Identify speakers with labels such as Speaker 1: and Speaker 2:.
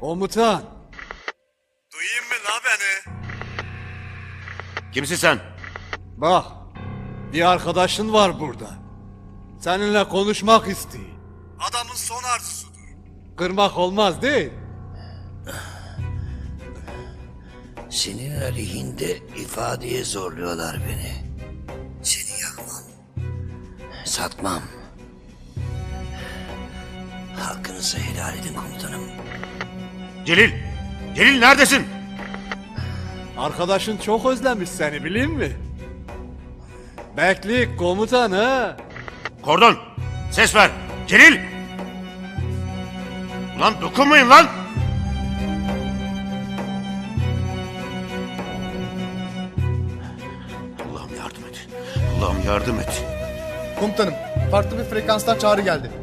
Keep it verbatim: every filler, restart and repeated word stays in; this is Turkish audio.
Speaker 1: Komutan.
Speaker 2: Duyayım mı la beni?
Speaker 3: Kimsin sen?
Speaker 1: Bak, bir arkadaşın var burada. Seninle konuşmak istiyor.
Speaker 2: Adamın son arzusudur.
Speaker 1: Kırmak olmaz değil.
Speaker 4: Senin aleyhinde ifadeye zorluyorlar beni. Seni yakmam. Satmam. Hakkınızı helal edin komutanım.
Speaker 3: Celil! Celil neredesin?
Speaker 1: Arkadaşın çok özlemiş seni, bileyim mi? Beklik komutan ha.
Speaker 3: Kordon! Ses ver! Celil! Ulan dokunmayın lan! Allah'ım yardım et. Allah'ım yardım et.
Speaker 5: Komutanım, farklı bir frekanstan çağrı geldi.